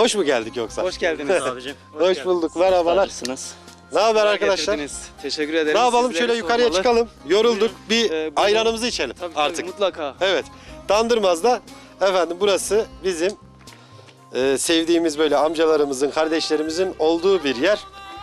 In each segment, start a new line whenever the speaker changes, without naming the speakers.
Hoş mu geldik yoksa?
Hoş geldiniz abicim.
Hoş bulduk. Merhabalar.
Nasılsınız?
Ne haber arkadaşlar?
Getirdiniz. Teşekkür ederim.
Ne yapalım?
Sizleri
Şöyle yukarıya
sormalı.
çıkalım. Yorulduk. Bir
Buyurun.
ayranımızı içelim
Tabii,
artık.
tabii, mutlaka.
Evet. Dandırmaz'da efendim burası bizim sevdiğimiz böyle amcalarımızın, kardeşlerimizin olduğu bir yer.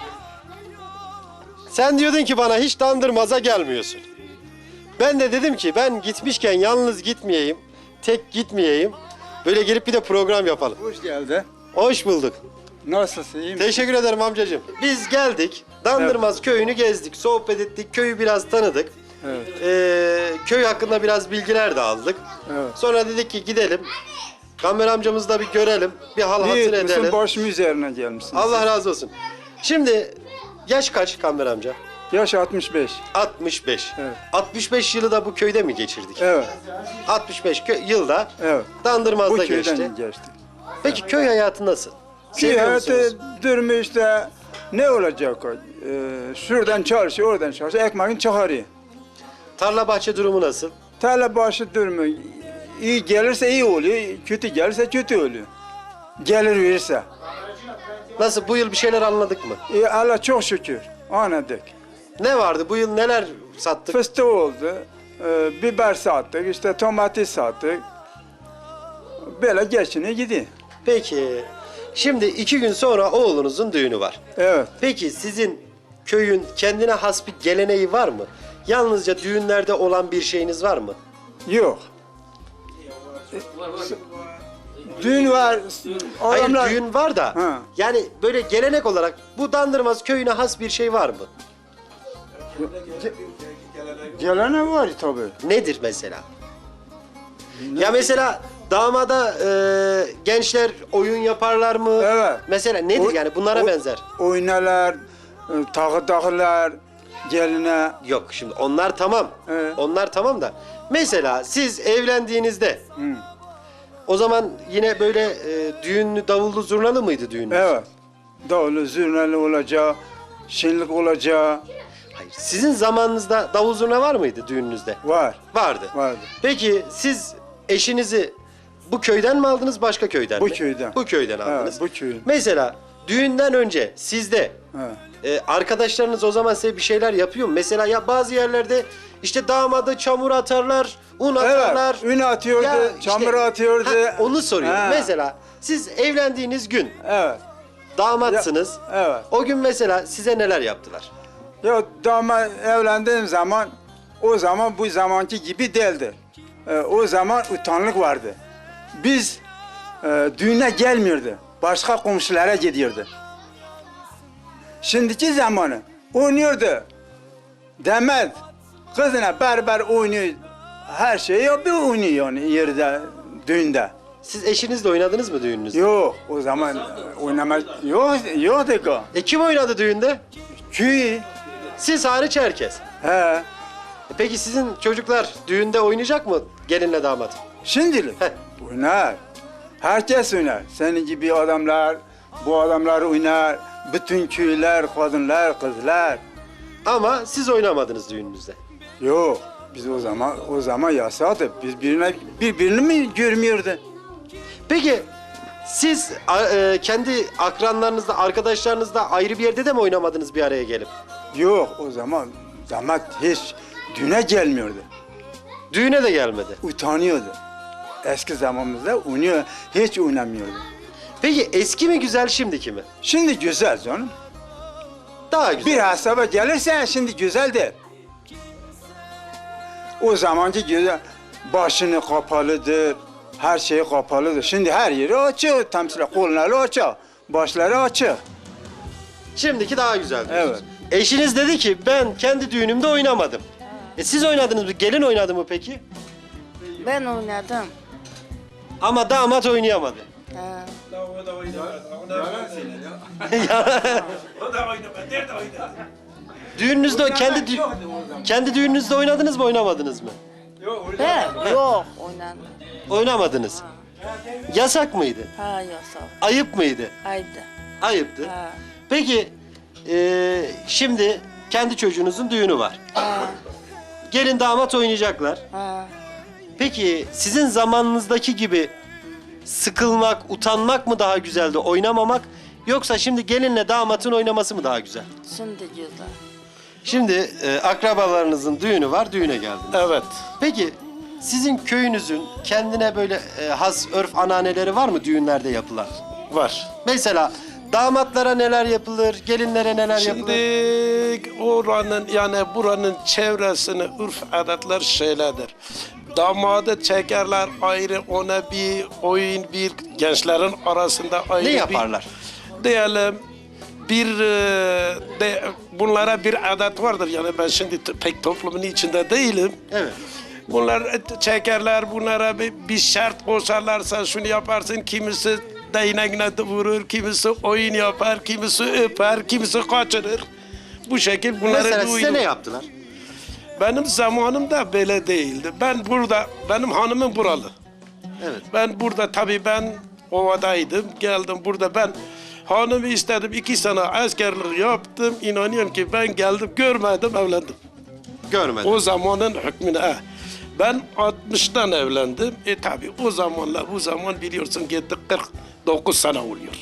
Sen diyordun ki bana hiç Dandırmaz'a gelmiyorsun. Ben de dedim ki ben gitmişken yalnız gitmeyeyim, tek gitmeyeyim. Böyle gelip bir de program yapalım.
Hoş geldin.
Hoş bulduk.
Nasılsın? İyi misin?
Teşekkür ederim amcacığım. Biz geldik. Dandırmaz köyünü gezdik, sohbet ettik, köyü biraz tanıdık.
Evet.
Köy hakkında biraz bilgiler de aldık.
Evet.
Sonra dedik ki gidelim. Gamber amcamızı da bir görelim, bir hal hatır
İyi
edelim.
etmişsin, başım üzerine gelmişsin.
Allah razı olsun. Şimdi yaş kaç Gamber amca?
Yaş 65.
65.
Evet.
65 yılı da bu köyde mi geçirdik?
Evet.
65 yılda
Evet. Bu
Dandırmaz'da
köyden
geçti.
geçti.
Peki köy hayatı nasıl?
Ki
Seviyor musunuz?
hayatı durumu işte ne olacak o? Şuradan çalışıyor, oradan çalışıyor, ekmeğini çıkarıyor.
Tarla bahçe durumu nasıl?
Tarla başı durumu iyi gelirse iyi oluyor, kötü gelirse kötü oluyor. Gelir verirse.
Nasıl, bu yıl bir şeyler anladık mı?
Allah çok şükür anladık.
Ne vardı bu yıl, neler sattık?
Fıstık oldu, biber sattık, işte domates sattık. Böyle geçine gidiyor.
Peki şimdi 2 gün sonra oğlunuzun düğünü var.
Evet.
Peki sizin köyün kendine has bir geleneği var mı? Yalnızca düğünlerde olan bir şeyiniz var mı?
Yok. Düğün var.
Hayır,
Adamlar...
düğün var da
Ha.
yani böyle gelenek olarak bu Dandırmaz köyüne has bir şey var mı?
Gelene var tabii.
Nedir mesela? Ya mesela damada gençler oyun yaparlar mı?
Evet.
Mesela nedir yani bunlara benzer?
Oynalar, takırlar, geline.
Yok şimdi onlar tamam.
Evet.
Onlar tamam da mesela siz evlendiğinizde o zaman yine böyle düğünlü davullu zurnalı mıydı düğününüz?
Evet. Davulu, zurnalı olacak, şenlik olacak.
Hayır. Sizin zamanınızda davul zurna var mıydı düğününüzde?
Var.
Vardı.
Vardı.
Peki siz eşinizi bu köyden mi aldınız, başka köyden
Bu
mi?
köyden.
Bu köyden aldınız.
bu köyün.
Mesela düğünden önce sizde
Evet.
arkadaşlarınız o zaman size bir şeyler yapıyor mu? Mesela ya bazı yerlerde işte damadı çamur atarlar, un atarlar.
Evet, ün atıyordu,
Ya işte-
çamur atıyordu.
Ha, onu soruyorum.
Ha.
Mesela siz evlendiğiniz gün
Evet.
damatsınız.
Evet.
O gün mesela size neler yaptılar?
Ya damat evlendiğim zaman o zaman bu zamanki gibi değildi. O zaman utanlık vardı. Biz düğüne gelmiyordu. Başka komşulara gidiyordu. Şimdiki zamanı oynuyordu. Demet kızına berber oynuyor. Her şeyi yapıyor, oynuyor yani yerde, düğünde.
Siz eşinizle oynadınız mı düğününüzde?
Yok o zaman oynamak yoktu ki.
Kim oynadı düğünde?
Köy.
Siz hariç herkes.
He.
Peki sizin çocuklar düğünde oynayacak mı gelinle damat?
Şimdilik
Heh.
oynar. Herkes oynar. Senin gibi adamlar, bu adamlar oynar. Bütün köyler, kadınlar, kızlar.
Ama siz oynamadınız düğününüzde.
Yok. Biz o zaman yasaktı. Biz birbirini mi görmüyordu?
Peki siz kendi akranlarınızla, arkadaşlarınızla ayrı bir yerde de mi oynamadınız bir araya gelip?
Yok o zaman damat hiç düğüne gelmiyordu.
Düğüne de gelmedi.
Utanıyordu. Eski zamanımızda oynuyor, hiç oynamıyordu.
Peki eski mi güzel, şimdiki mi?
Şimdi güzel canım.
Daha güzel.
Bir hesaba gelirse şimdi güzel değil. O zamanki güzel, başını kapalıdır, her şey kapalıdır. Şimdi her yeri açık, temsilen kolları açık, başları açık.
Şimdiki daha güzel diyorsunuz.
Evet.
Eşiniz dedi ki ben kendi düğünümde oynamadım. Siz oynadınız mı? Gelin oynadı mı peki?
Ben oynadım.
Ama damat oynayamadı.
Ha.
Düğününüzde kendi düğününüzde oynadınız mı, oynamadınız mı?
Ben yok oynadım.
Oynamadınız. Yasak mıydı?
Ha yasak.
Ayıp mıydı?
Haydi.
Ayıptı.
Ha.
Peki şimdi kendi çocuğunuzun düğünü var.
Ha.
Gelin damat oynayacaklar.
Ha.
Peki sizin zamanınızdaki gibi sıkılmak, utanmak mı daha güzeldi, oynamamak? Yoksa şimdi gelinle damatın oynaması mı daha güzel?
Şimdi güzel.
Şimdi akrabalarınızın düğünü var, düğüne geldiniz.
Evet.
Peki sizin köyünüzün kendine böyle has örf ananeleri var mı düğünlerde yapılan?
Var.
Mesela damatlara neler yapılır, gelinlere neler
Şimdi
yapılır?
oranın yani buranın çevresini urf adetler şeylerdir. Damadı çekerler ayrı, ona bir oyun, bir gençlerin arasında ayrı
Ne
bir...
yaparlar?
Diyelim bunlara bir adet vardır. Yani ben şimdi pek toplumun içinde değilim.
Evet.
Bunlar çekerler, bunlara bir şart koşarlarsa şunu yaparsın, kimisi değneğine vurur, kimisi oyun yapar, kimisi öper, kimisi kaçırır. Bu şekil bunları
Mesela size
duydum.
ne yaptılar?
Benim zamanımda böyle değildi. Ben burada, benim hanımım buralı.
Evet.
Ben burada tabii ben ovadaydım, geldim burada ben hanımı istedim, 2 sene askerlik yaptım. İnanıyorum ki ben geldim, görmedim, evlendim.
Görmedim.
O zamanın hükmüne. Ben 60'tan evlendim. Tabii o zamanla bu zaman biliyorsun gitti 49 sene oluyor.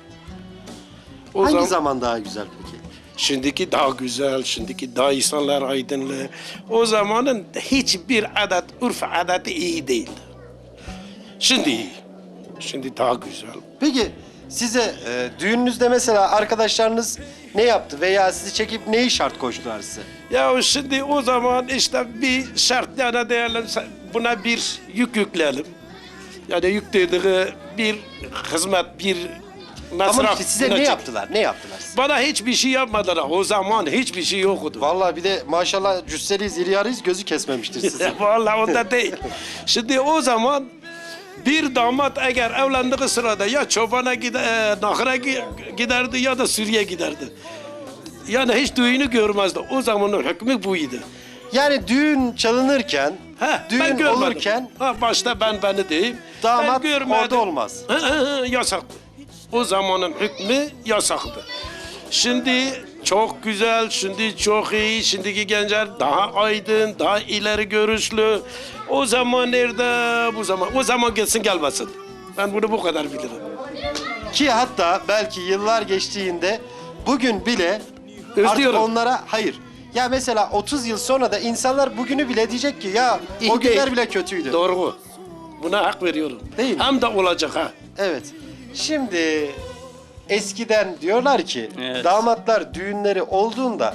O
Hangi zaman daha güzel peki?
Şimdiki daha güzel, şimdiki daha insanlar aydınlı. O zamanın hiçbir adet, urf adeti iyi değildi. Şimdi iyi. Şimdi daha güzel.
Peki size düğününüzde mesela arkadaşlarınız ne yaptı veya sizi çekip neyi şart koştular size?
Ya şimdi o zaman işte bir şart yani diyelim buna bir yük yükleyelim. Yani yük dediği bir hizmet, bir masraf.
Ama işte size
buna
ne
çek-
yaptılar? Ne yaptılar size?
Bana hiçbir şey yapmadılar. O zaman hiçbir şey yoktu.
Vallahi bir de maşallah cüsseliyiz, iri yarıyız, gözü kesmemiştir sizi.
Vallahi onda değil. Şimdi o zaman bir damat eğer evlendiği sırada ya çobana nahıra giderdi ya da Suriye giderdi. Yani hiç düğünü görmezdi. O zamanın hükmü buydu.
Yani düğün çalınırken,
Ben
düğün
görmedim.
olurken
Başta beni diyeyim.
damat
Ben görmedim.
orada olmaz.
Yasaktı. O zamanın hükmü yasaktı. Şimdi çok güzel, şimdi çok iyi. Şimdiki gençler daha aydın, daha ileri görüşlü. O zaman nerede bu zaman? O zaman gelsin gelmesin. Ben bunu bu kadar bilirim.
Ki hatta belki yıllar geçtiğinde bugün bile artık
Özlüyorum.
onlara hayır. Ya mesela 30 yıl sonra da insanlar bugünü bile diyecek ki ya
İyi
o günler
değil.
bile kötüydü.
Doğru. Buna hak veriyorum.
Değil mi?
Hem de olacak ha.
Evet. Şimdi eskiden diyorlar ki
Evet.
damatlar düğünleri olduğunda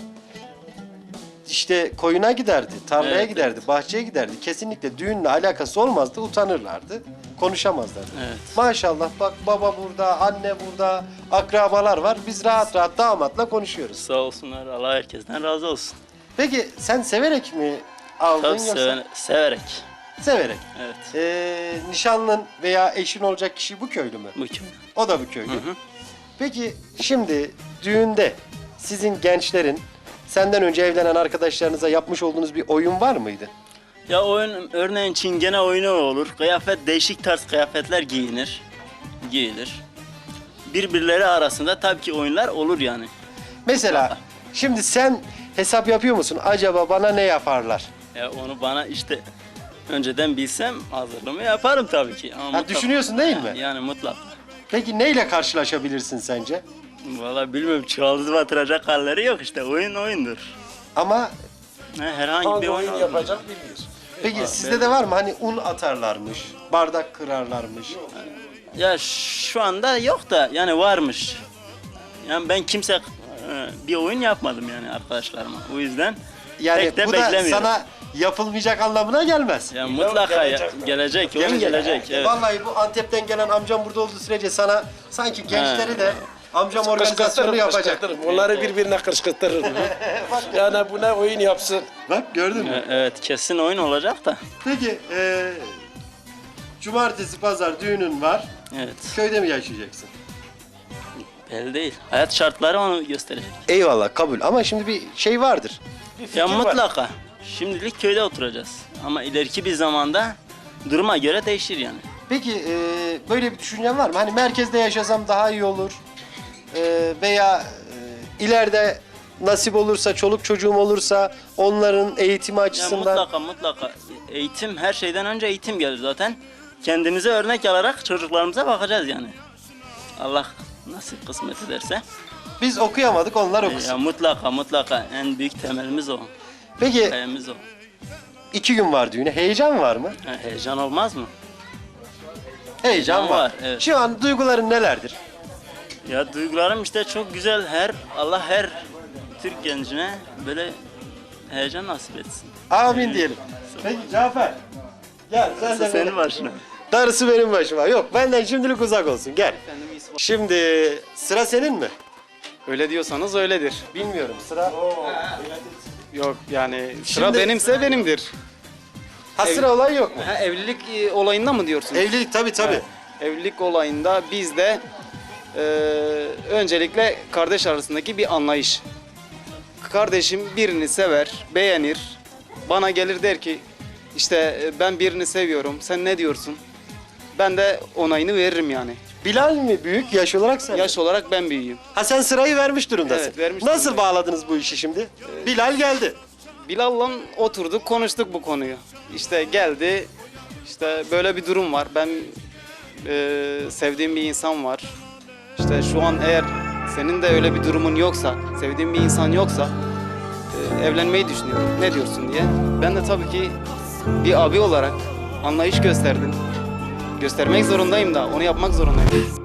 işte koyuna giderdi, tarlaya
Evet,
giderdi, bahçeye giderdi. Kesinlikle düğünle alakası olmazdı, utanırlardı, konuşamazlardı.
Evet.
Maşallah bak baba burada, anne burada, akrabalar var. Biz rahat rahat damatla konuşuyoruz.
Sağ olsunlar. Allah herkesten razı olsun.
Peki sen severek mi aldın
Tabii
yoksa?
severek.
Severek.
Evet.
Nişanlın veya eşin olacak kişi bu köylü mü?
Mükemmel.
O da bu köylü. Peki şimdi düğünde sizin gençlerin senden önce evlenen arkadaşlarınıza yapmış olduğunuz bir oyun var mıydı?
Ya oyun örneğin çingene oyunu olur. Kıyafet değişik tarz kıyafetler giyilir. Birbirleri arasında tabii ki oyunlar olur yani.
Mesela şimdi sen hesap yapıyor musun? Acaba bana ne yaparlar?
Ya onu bana işte önceden bilsem hazırlığımı yaparım tabii ki. Ama mutlaka-
düşünüyorsun değil mi?
Yani mutlaka.
Peki neyle karşılaşabilirsin sence?
Vallahi bilmiyorum, çuvaldız batıracak halleri yok işte. Oyun oyundur.
Ama
Herhangi bir oyun olur.
bilmiyoruz.
peki sizde de var mı? Hani un atarlarmış, bardak kırarlarmış.
Ya şu anda yok da yani varmış. Yani ben bir oyun yapmadım yani arkadaşlarıma. O yüzden
Yani
pek de
bu da
beklemiyorum.
sana yapılmayacak anlamına gelmez.
Ya mutlaka gelecek, oyun gelecek. Evet.
Vallahi bu Antep'ten gelen amcam burada olduğu sürece sana sanki gençleri de amcam organizasyonu yapacak.
Onları birbirine kışkırtırır. Yani buna oyun yapsın.
Bak gördün mü?
Evet, kesin oyun olacak da.
Peki cumartesi pazar düğünün var.
Evet,
Köyde mi yaşayacaksın?
belli değil. Hayat şartları onu gösterecek.
Eyvallah kabul ama şimdi bir şey vardır.
Ya mutlaka. Şimdilik köyde oturacağız. Ama ileriki bir zamanda duruma göre değişir yani.
Peki böyle bir düşüncen var mı? Hani merkezde yaşasam daha iyi olur. Veya ileride nasip olursa, çoluk çocuğum olursa onların eğitimi
Ya
açısından.
mutlaka. Eğitim, her şeyden önce eğitim gelir zaten. kendimize örnek alarak çocuklarımıza bakacağız yani. Allah nasip kısmet ederse.
Biz okuyamadık, onlar okusun.
Ya mutlaka en büyük temelimiz o.
Peki
Kayamız o.
2 gün var düğüne. Heyecan var mı?
Ha, heyecan olmaz mı?
Heyecan
Heyecan
var.
var, evet.
Şu an duyguların nelerdir?
Ya duygularım işte çok güzel. Allah her Türk gencine böyle heyecan nasip etsin.
Amin diyelim. Peki Cafer. Gel sen de
Senin başına.
Darısı benim başıma. Yok, benden şimdilik uzak olsun. Gel. Şimdi sıra senin mi?
Öyle diyorsanız öyledir.
Bilmiyorum. Sıra
Yok yani sıra
Şimdi-
benimse benimdir.
ha, sıra olan yok mu?
Ha, evlilik olayında mı diyorsunuz?
Evlilik tabii.
Evlilik olayında bizde öncelikle kardeş arasındaki bir anlayış. Kardeşim birini sever, beğenir. Bana gelir der ki işte ben birini seviyorum. Sen ne diyorsun? Ben de onayını veririm yani.
Bilal mi büyük yaş olarak sen?
Yaş olarak ben büyüğüm.
Ha, sen sırayı vermiş durumdasın.
Evet, vermiş
Nasıl
durumdayım.
bağladınız bu işi şimdi? Bilal geldi.
Bilal'la oturduk, konuştuk bu konuyu. İşte geldi, işte böyle bir durum var. Ben sevdiğim bir insan var. İşte şu an eğer senin de öyle bir durumun yoksa, sevdiğin bir insan yoksa evlenmeyi düşünüyorum. Ne diyorsun diye. Ben de tabii ki bir abi olarak anlayış gösterdim. Göstermek zorundayım da, onu yapmak zorundayım.